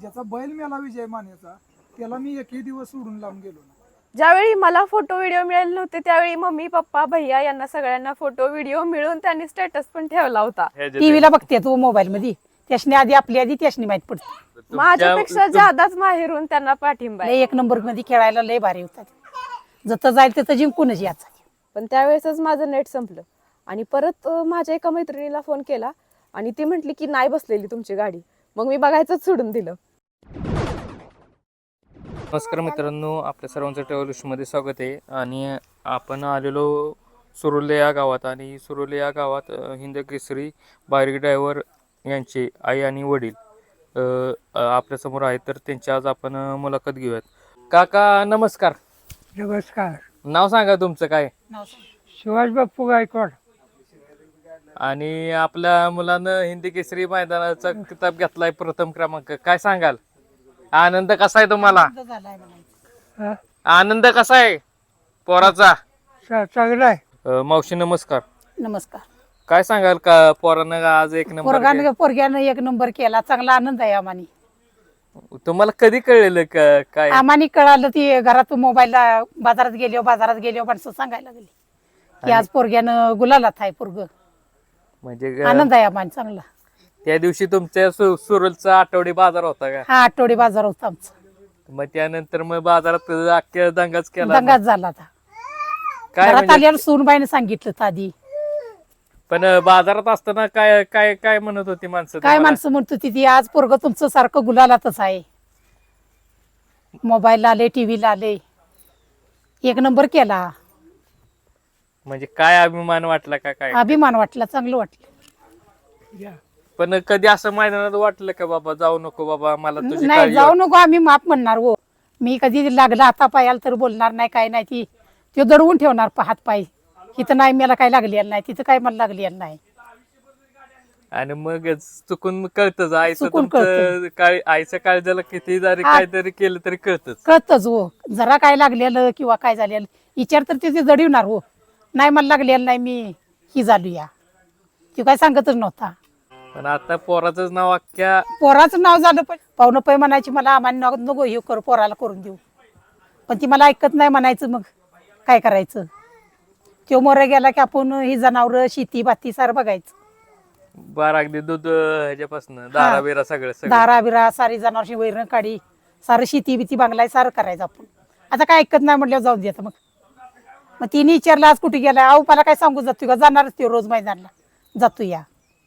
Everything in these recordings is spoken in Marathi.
ज्याचा बैल मेला विजय मानेचा त्याला मी एकही दिवस सोडून लावून गेलो ना. ज्यावेळी मला फोटो व्हिडिओ मिळाले नव्हते त्यावेळी मम्मी पप्पा भैया यांना सगळ्यांना फोटो व्हिडिओ मिळून त्यांनी स्टेटस पण ठेवला होता. टीव्हीला बघते तू मोबाईल मध्ये त्याशनी आधी आपली आधी त्याशनी माहित पडते. माझ्यापेक्षा जादाच माहेरून त्यांना पाठिंबा आहे. लय एक नंबर मध्ये खेळायला लय भारी होतात. जत जाईल तिथं जिंकूनच याचा. पण त्यावेळेसच माझं नेट संपलं आणि परत माझ्या एका मैत्रिणीला फोन केला आणि ती म्हटली की नाही बसलेली तुमची गाडी. मग मी बघायचंच सोडून दिलं. नमस्कार मित्रांनो, आपल्या सर्वांचं ट्रॅव्हल्समध्ये स्वागत आहे. आणि आपण आलेलो सुरुले या गावात आणि सुरुले या गावात हिंद केसरी बारीक ड्रायव्हर यांचे आई आणि वडील आपल्यासमोर आहेत. तर त्यांची आज आपण मुलाखत घेऊयात. काका नमस्कार. नमस्कार. नाव सांगा तुमचं काय? सुभाष बाप्पू गायकवाड. आणि आपल्या मुलानं हिंदी केसरी मैदानाचा किताब घेतलाय, प्रथम क्रमांक. काय सांगाल? आनंद कसा आहे तुम्हाला? हा? आनंद कसा आहे पोराचा? चांगला आहे. मावशी नमस्कार. नमस्कार. काय सांगाल का पोरानं आज एक नंबर केला? पोरग्यानं एक नंबर केला. चांगला आनंद आहे आम्हानी. तुम्हाला कधी कळलेलं काय? आम्हानी कळालं ती घरात मोबाईलला बाजारात गेलो माणसं सांगायला लागली की आज पोरग्यानं गुलालात आहे पोरग. म्हणजे आनंद आहे आम्हाला चांगला. त्या दिवशी तुमच्या सुरलचा आठवडी बाजार होता का? हा आठवडी बाजार होता आमचा. मग त्यानंतर मग बाजारात अख्ख्या दंगाच केला. दंगाच झाला आता. काय घरात म्हणजे? आल्यावर सूनबाईने सांगितलं होतं आधी. पण बाजारात असताना काय काय काय म्हणत होती माणसं काय तुम्हाला? माणसं म्हणत होती ती आज पोरग तुमचं सारखं गुलालातच आहे. मोबाईलला आले, टीव्हीला आले, एक नंबर केला. म्हणजे काय अभिमान वाटला का काय? अभिमान वाटला, चांगलं वाटलं. पण कधी असं मैदानात वाटलं का बाबा जाऊ नको बाबा, मला तुझी नाही काळजी जाऊ नको, आम्ही माफ म्हणणार हो. मी कधी लागला हाता पायाला तर बोलणार नाही, काय नाही. ती तो दडवून ठेवणार हात पाय. इथं नाही मला काय लागलेलं नाही, तिथं काय मला लागलेलं नाही. आणि मग चुकून कळतच आईचं चुकून तुमचं आईच्या काळजाला किती जरी काहीतरी केलं तरी कळतच. कळतच हो. जरा काय लागलेलं किंवा काय झालेलं विचार तर ते जडवणार हो. नाही मला लागलेलं नाही, मी ही झालो या. ती काय सांगतच नव्हता. पण आता पोराचंच नाव अख्ख्या पोराचं नाव झालं पण पाहुणं पै म्हणायची मला आम्हाला नको हे कर, पोराला करून देऊ. पण ती मला ऐकत नाही म्हणायचं. मग काय करायचं? तो मोरे गेला की आपण ही जनावर शेती बाती सारं बघायचं. बारा अगदी दूध ह्याच्यापासून दारा बिरा सगळं दारा बिरा सारी जनावरची वैरण काढी सारं शेती बिती बांगलाय सारं करायचं आपण. आता काय ऐकत नाही म्हटल्यावर जाऊन देत. मग तिने विचारलं आज कुठे गेलाय? अहो मला काय सांगू, जातो का? जाणारच तो रोज मैदानला जातो या.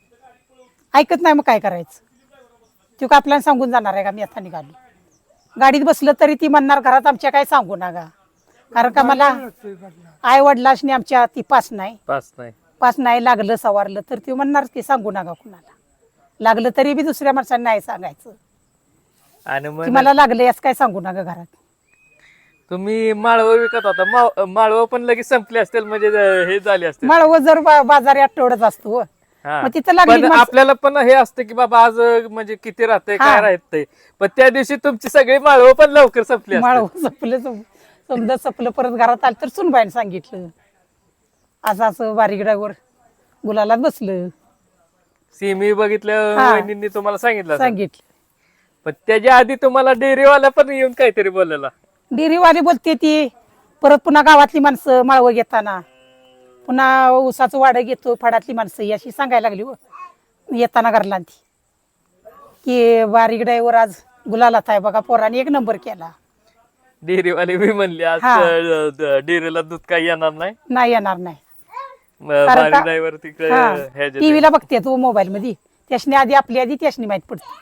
ऐकत नाही, मग काय करायचं? तो का आपल्याला सांगून जाणार आहे का? मी आता निघालो. गाडीत बसलं तरी ती म्हणणार घरात आमच्या काय सांगू नका. कारण का मला आई वडिलांनी आमच्या ती पास नाही लागलं सवारलं तर ती म्हणणार की सांगू नका कुणाला. लागलं तरी बी दुसऱ्या माणसांना नाही सांगायचं आणि की मग मला लागलं याच काय सांगू नका घरात. तुम्ही माळव विकत होता, माळव पण लगेच संपले असतील, म्हणजे हे झाले असतील. मळव जर बाजारी आठवड्यात असतो हा. मग तिथं पण लागली आपल्याला पण हे असतं की बाबा आज म्हणजे किती राहते काय राहते, पण त्या दिवशी तुमची सगळी माळव पण लवकर संपली असतील. मळव समजा सपलं परत घरात आलं तर सुनबाईने सांगितलं असं असं बारीक ड्रायव्हर गुलालात बसलं. सिमी बघितलं हा. वहिनींनी तुम्हाला सांगितलं असेल. सांगितलं. पण त्याच्या आधी तुम्हाला डेअरीवाला पण येऊन काहीतरी बोललेला. डेअरीवाली बोलते ती. परत पुन्हा गावातली माणसं माळवं घेताना पुन्हा ऊसाचं वाडं घेतो फडातली माणसं अशी सांगायला लागली हो येताना घरला ती की बारीक ड्रायव्हर आज गुलालात आहे बघा, पोराने एक नंबर केला. डेअरीवाले मी म्हणले आज हा. डेअरीला दूध काही येणार नाही, नाही येणार नाही. बारीक ड्रायव्हर तिकडे ह्याच्यात- टीव्हीला बघते तू मोबाईल मध्ये त्याशनी आधी आपली आधी त्याशनी माहित पडते.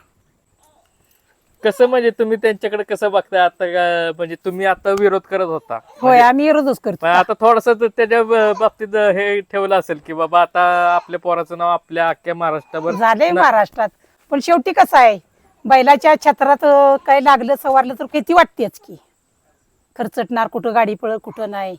कसं म्हणजे तुम्ही त्यांच्याकडे कसं बघताय आता म्हणजे तुम्ही आता विरोध करत होता, होय आम्ही रोजच करतो. पण आता थोडस त्याच्या बाबतीत हे ठेवलं असेल की बाबा आता आपल्या पोराचं नाव आपल्या अख्ख्या महाराष्ट्रावर झालंय महाराष्ट्रात. पण शेवटी कसं आहे बैलाच्या छत्रात काय लागलं सवारलं तर किती वाटतेच की खर्चटणार, कुठं गाडी पळ कुठं नाही.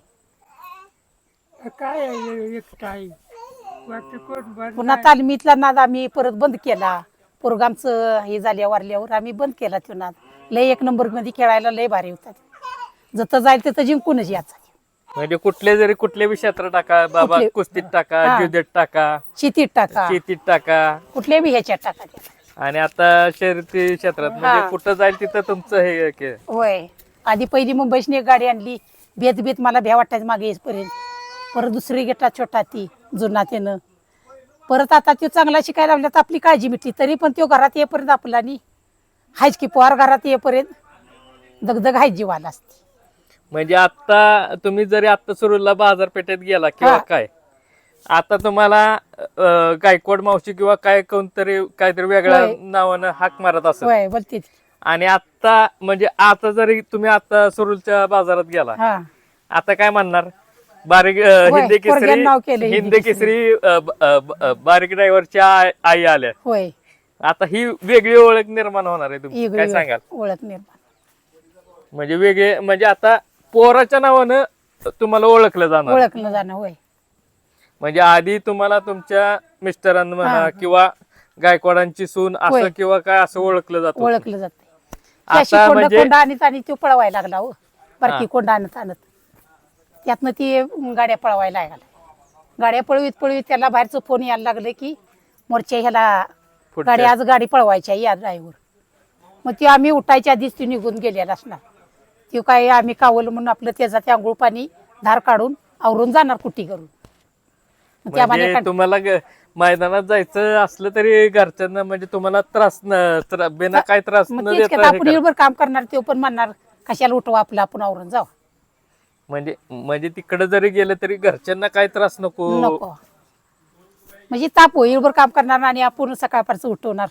काय आहे, एक काय वाटतं कोण बरं पुन्हा तालमीतला नाद आम्ही परत बंद केला. पोरगामचं हे झाल्या वारल्यावर आम्ही बंद केला तो नाद. लय एक नंबर मध्ये खेळायला लय भारी होतात. जत जाईल तिथं जिंकूनच याचा. म्हणजे कुठल्या क्षेत्रात टाका बाबा, कुस्तीत टाका, हा. जुदेत टाका, शेतीत टाका, शेतीत टाका, कुठल्या बी ह्याच्यात टाका. आणि आता शर्यती क्षेत्रात म्हणजे हा. कुठं जाईल तिथं तुमचं हे होय आधी पहिली मुंबईची एक गाडी आणली बेत बेत मला भ्या वाटायचं मागे येईपर्यंत. परत दुसरी घेतला छोटा ती जुना त्यानं. परत आता तो चांगला शिकायला लागला तर आपली काळजी मिटली. तरी पण तो घरात येईपर्यंत आपला नाही हायच की पोहार घरात येईपर्यंत दगदग हायच जीवाला असते. म्हणजे आता तुम्ही जरी आता सुरूला बाजारपेठेत गेला किंवा हा. काय आता तुम्हाला गायकवाड मावशी किंवा काय कोणतरी काहीतरी वेगळ्या होय. नावानं हाक मारत असेल. होय बोलते ती. आणि आता म्हणजे आता जरी तुम्ही आता सुरूलच्या बाजारात गेला हा आता काय म्हणणार बारीक होय, हिंदी पोरग्यानं नाव केलं केसरी हिंदी हिंदी केसरी बारीक ड्रायव्हरच्या आई आल्या. होय आता ही वेगळी ओळख निर्माण होणार आहे तुमची वेगळी काय सांगाल? ओळख निर्माण. म्हणजे वेगळे म्हणजे आता पोराच्या नावानं तुम्हाला ओळखलं जाणार. ओळखलं जाणं होय. म्हणजे आधी तुम्हाला तुमच्या मिस्टरांना म्हणा हा. किंवा गायकवाडांची सून असं होय. किंवा काय असं ओळखलं जातं. ओळखलं जाते. आता अशी कोंड म्हणजे- कोंड आणत आणि तो पळवायला लागला हो बारकी हा. कोंड आणत आणत त्यातनं ती गाड्या पळवायला लागला. गाड्या पळवीत पळवीत त्याला बाहेरचं फोन यायला लागले की मोर्चा ह्याला पुढच्या- गाडी आज गाडी पळवायची आहे या ड्रायव्हर. मग ती आम्ही उठायच्या आधीच ती निघून गेलेला असणार. ती काय आम्ही कावलं म्हणून आपलं त्याचा ते आंघोळ पाणी धार काढून आवरून जाणार कुट्टी करून. मग त्या म्हणजे माने तुम्हाला मैदानात जायचं असलं तरी घरच्यांना म्हणजे तुम्हाला त्रास बिना काय त्रास मग न तेच देता की हे आपण करा. निर्भर काम करणार ते पण म्हणणार कशाला उठवा आपलं आपण आवरून जाऊ म्हणजे म्हणजे तिकडे जरी गेलं तरी घरच्यांना काय त्रास नको. नको. म्हणजे ताप होईलभर काम करणार आणि आपण सकाळपारचं उठवणार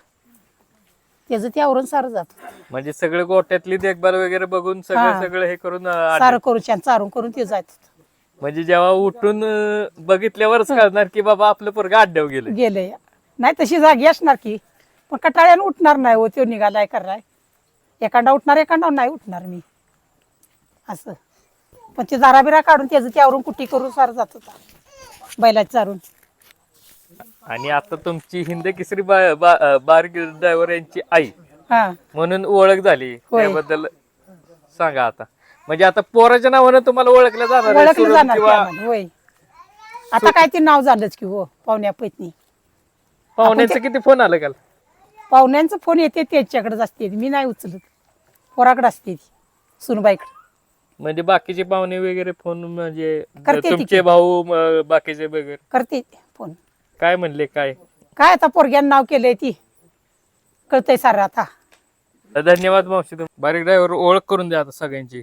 त्याचं ते आवरून सारं जात म्हणजे सगळे गोट्यातली देखभाल वगैरे बघून सगळं हा. सगळं हे करून सारं करून छान चारून करून ते जात म्हणजे जेव्हा उठून बघितल्यावरच कळणार की बाबा आपलं पोरगा अड्ड्यावर गेलं. गेले. नाही तशी जागी असणार की पण कटाळ्यानं उठणार नाही हो तो निघालाय कराय. एखादा उठणार एखादा नाही उठणार मी असं. पण ते दाराबिरा काढून त्याचं ते आवरून कुट्टी करून सारं जात होता बैलाची चारून. आणि आता तुमची हिंद केसरी बारीक ड्रायव्हर यांची आई हा म्हणून ओळख झाली होय. त्याबद्दल सांगा आता. म्हणजे आता पोराच्या नावानं तुम्हाला ओळखलं जाणार आहे, ओळखलं सुरत जाणार किंवा त्यामध्ये, होय. आता काय ते नाव झालंच की हो पाहुण्या पैतनी. पाहुण्याचं किती फोन आलं काल? पाहुण्यांचा फोन येते त्याच्याकडेच असते मी नाही उचलत पोराकडे असते ती सुनबाईकडे. म्हणजे बाकीचे पाहुणे वगैरे फोन म्हणजे करते ती तुमचे की. भाऊ बाकीचे वगैरे करते फोन. काय म्हणले काय? काय आता पोरग्यानं नाव केलंय ती कळतंय सारं आता. धन्यवाद मावशी. बारीक ड्रायव्हर ओळख करून द्या आता सगळ्यांची.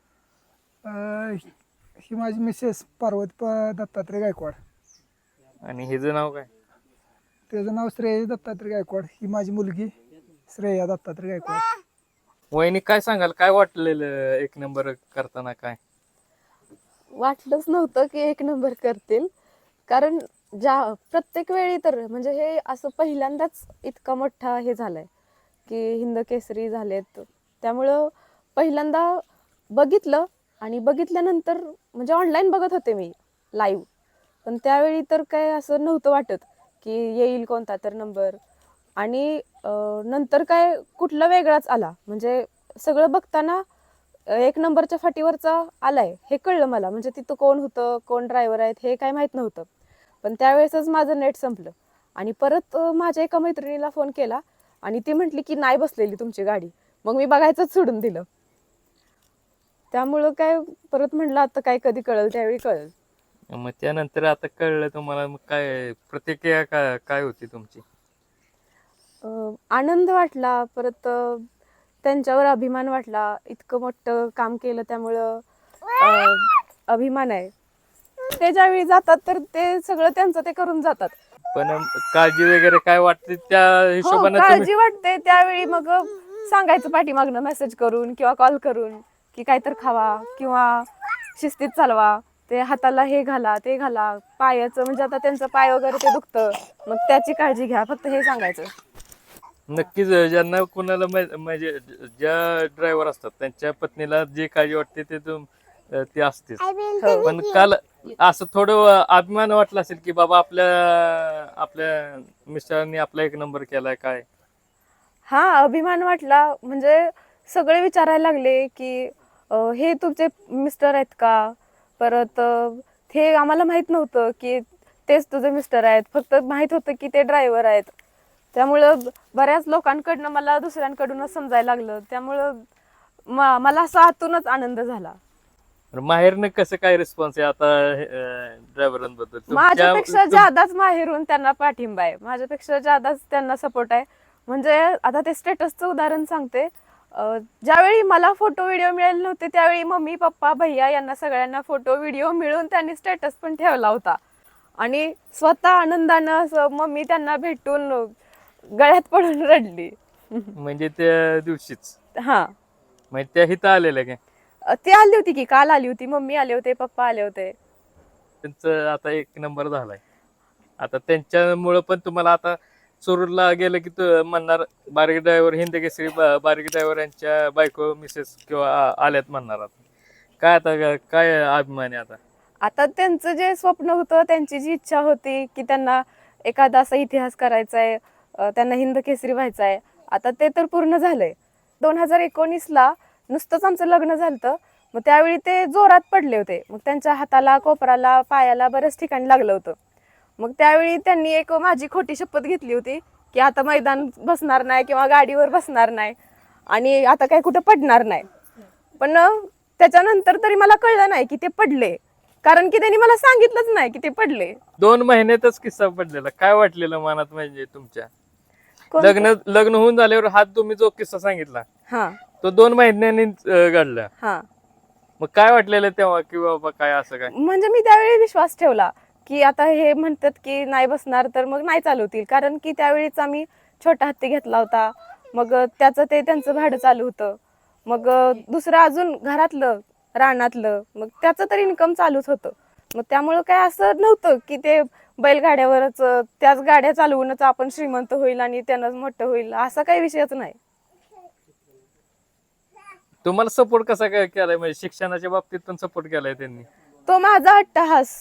ही माझी मिसेस पार्वती दत्तात्रय गायकवाड. आणि हिचं नाव काय? त्याचं नाव श्रेय दत्तात्रय गायकवाड. ही माझी मुलगी श्रेया दत्तात्रय गायकवाड. वहिनी काय सांगाल काय वाटलेलं एक नंबर करताना काय? वाटलंच नव्हतं की एक नंबर करतील. कारण प्रत्येक वेळी तर म्हणजे हे असं पहिल्यांदाच इतका मोठा हे झालाय की हिंद केसरी झालेत. त्यामुळं पहिल्यांदा बघितलं आणि बघितल्यानंतर म्हणजे ऑनलाईन बघत होते मी लाईव्ह. पण त्यावेळी तर काय असं नव्हतं वाटत की येईल कोणता तर नंबर. आणि नंतर काय कुठला वेगळाच आला. म्हणजे सगळं बघताना एक नंबरच्या फाटीवरचा आलाय हे कळलं मला. म्हणजे तिथं कोण होतं कोण ड्रायव्हर आहेत हे काय माहीत नव्हतं. पण त्यावेळेसच माझं नेट संपलं आणि परत माझ्या एका मैत्रिणीला फोन केला आणि ती म्हटली की नाही बसलेली तुमची गाडी. मग मी बघायचंच सोडून दिलं. त्यामुळं काय परत म्हटलं आता काय कधी कळेल त्यावेळी कळेल. मग त्यानंतर आता कळलं तुम्हाला मग काय प्रतिक्रिया काय होती तुमची? आनंद वाटला. परत त्यांच्यावर अभिमान वाटला. इतकं मोठं काम केलं त्यामुळं अभिमान आहे. ते ज्यावेळी जातात तर ते सगळं त्यांचं ते करून जातात. पण काळजी वगैरे काय वाटते त्या हो, हिशोबाने काळजी वाटते त्यावेळी. मग सांगायचं पाठीमागनं मेसेज करून किंवा कॉल करून की काहीतर खावा किंवा शिस्तीत चालवा. ते हाताला हे घाला ते घाला. पायाचं म्हणजे आता त्यांचं पाय वगैरे ते दुखतं मग त्याची काळजी घ्या फक्त हे सांगायचं. नक्कीच ज्यांना कोणाला म्हणजे ज्या ड्रायव्हर असतात त्यांच्या पत्नीला जे काळजी वाटते ते असतेच. पण काल असं थोडं अभिमान वाटला असेल की बाबा आपल्या मिस्टरांनी आपला एक नंबर केलाय काय? हा अभिमान वाटला. म्हणजे सगळे विचारायला लागले की हे तुमचे मिस्टर आहेत का. परत हे आम्हाला माहित नव्हतं की तेच तुझे मिस्टर आहेत. फक्त माहित होतं की ते ड्रायव्हर आहेत. त्यामुळं बऱ्याच लोकांकडनं मला दुसऱ्यांकडूनच समजायला लागलं. त्यामुळं मला असा आतूनच आनंद झाला. माहेरनं कसं काय रिस्पॉन्स आहे आता ड्रायव्हरांबद्दल? माझ्यापेक्षा जादाच माहेरून त्यांना पाठिंबा आहे, माझ्यापेक्षा जादाच त्यांना सपोर्ट आहे. म्हणजे आता ते स्टेटसचं उदाहरण सांगते. ज्यावेळी मला फोटो व्हिडिओ मिळाले नव्हते त्यावेळी मम्मी पप्पा भैया यांना सगळ्यांना फोटो व्हिडिओ मिळून त्यांनी स्टेटस पण ठेवला होता. आणि स्वतः आनंदानं असं मम्मी त्यांना भेटून गळ्यात पडून रडली. म्हणजे त्या दिवशीच हा, म्हणजे त्या हिथं आलेल्या काय? ती आली होती की, काल आली होती, मम्मी आले होते, पप्पा आले होते. त्यांचं आता 1 नंबर झालाय. आता त्यांच्यामुळं पण तुम्हाला आता चोरूरला गेलं की तू म्हणणार बारकी ड्रायव्हर हिंद केसरी बारकी ड्रायव्हर यांच्या बायको मिसेस किंवा आल्यात म्हणणार. आता काय, आता काय अभिमान आहे आता? आता त्यांचं जे स्वप्न होतं, त्यांची जी इच्छा होती की त्यांना एखादा असा इतिहास करायचा आहे, त्यांना हिंद केसरी व्हायचं आहे, आता ते तर पूर्ण झालंय. 2019ला नुसतंच आमचं लग्न झालं, मग त्यावेळी ते जोरात पडले होते. मग त्यांच्या हाताला, कोपराला, पायाला बऱ्याच ठिकाणी लागलं होतं. मग त्यावेळी त्यांनी एक माझी खोटी शपथ घेतली होती की आता मैदान बसणार नाही किंवा गाडीवर बसणार नाही आणि आता काय कुठं पडणार नाही. पण त्याच्यानंतर तरी मला कळलं नाही की ते पडले, कारण की त्यांनी मला सांगितलंच नाही की ते पडले. 2 महिन्यातच किस्सा पडलेला. काय वाटलेलं मनात म्हणजे तुमच्या? कोण- लग्न होऊन झाल्यावर हा तुम्ही जो किस्सा सांगितला हा तो 2 महिन्यांनी घडला. हा मग काय वाटलेलं तेव्हा की बाबा काय असं काय? म्हणजे मी त्यावेळी विश्वास ठेवला की आता हे म्हणतात की नाही बसणार तर मग नाही चालवतील, कारण की त्यावेळीच आम्ही छोटा हत्ती घेतला होता. मग त्याचं ते त्यांचं भाडं चालू होतं. मग दुसरं अजून घरातलं रानातलं, मग त्याचं तर इन्कम चालूच होतं. मग त्यामुळं काय असं नव्हतं की ते बैलगाड्यावरच त्याच गाड्या चालवूनच आपण श्रीमंत होईल आणि त्यानंच मोठं होईल, असा काही विषयच नाही. तुम्हाला सपोर्ट कसा काय केलाय? म्हणजे शिक्षणाच्या बाबतीत पण सपोर्ट केलाय त्यांनी, तो माझा अट्टहास.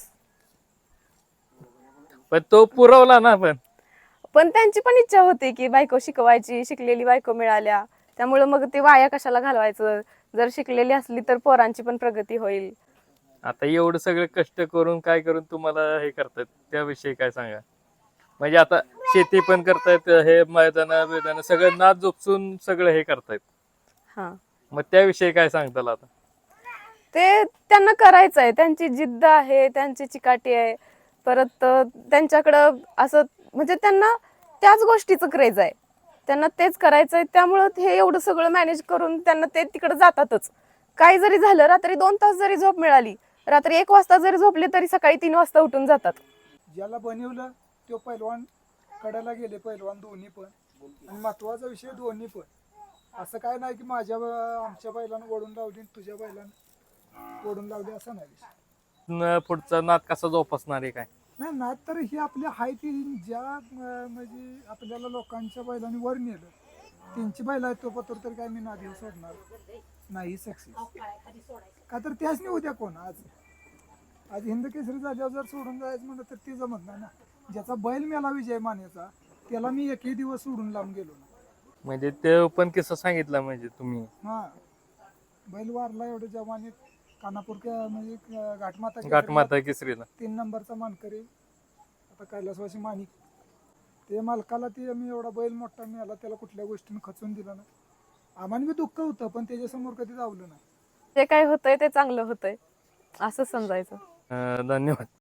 पण तो पुरवला ना. पण त्यांची पण इच्छा होती की बायको शिकवायची, शिकलेली बायको मिळाल्या, त्यामुळे मग ते वाया कशाला घालवायचं, जर शिकलेली असली तर पोरांची पण प्रगती होईल. आता एवढं सगळं कष्ट करून काय करून तुम्हाला हे करतायत त्याविषयी काय सांगा? म्हणजे आता शेती पण करतायत, हे मैदान सगळं नाद जोपसून सगळं हे करतायत. हा, मग त्याविषयी काय सांगताल आता? ते त्यांना करायचं आहे, त्यांची जिद्द आहे, त्यांची चिकाटी आहे. परत त्यांच्याकडं असं म्हणजे त्यांना त्याच गोष्टीचं क्रेज आहे, त्यांना तेच करायचं आहे. त्यामुळं हे एवढं सगळं मॅनेज करून त्यांना ते तिकडे जातातच. काही जरी झालं, रात्री 2 तास जरी झोप मिळाली, रात्री 1 वाजता जरी झोपले तरी सकाळी 3 वाजता उठून जातात. ज्याला बनवलं तो पैलवान कड्याला गेले, पैलवान दोन्ही पण. आणि महत्वाचा विषय दोन्ही पण. असं काय नाही की आमच्या बैलानं ओढून लावली आणि तुझ्या बैलानं ओढून लावली, असं नाही विषय. पुढचा नाद कसा जोपासणार आहे काय? नाही ना, तर ही आपली हाय ती ज्या म्हणजे आपल्याला लोकांच्या बैलांनी वर नेलं, त्यांची बैल आहे तो पत्र तर काय मी नादी सोडणार नाही सक्सेस. का तर त्याच नाही उद्या कोण आज हिंद केसरी झाल्यावर जर सोडून जायचं म्हणलं तर ते जमत नाही ना. ज्याचा बैल मेला विजय मानेचा त्याला मी एकही दिवस सोडून लावून गेलो ना. म्हणजे ते पण किस्सा सांगितला म्हणजे तुम्ही? हा, बैल वारला एवढं जवानीत, कानापूर म्हणजे घाटमाता केसरीला 3 नंबरचा मानकरी, आता कैलासवासी माणिक. ते मालकाला ते मी एवढा बैल मोठा मिळाला, त्याला कुठल्या गोष्टीने खचून दिला ना. आम्हाला बी दुःख होतं पण त्याच्यासमोर कधी जावलं नाही. जे काय होतंय ते चांगलं होतंय असं समजायचं. धन्यवाद.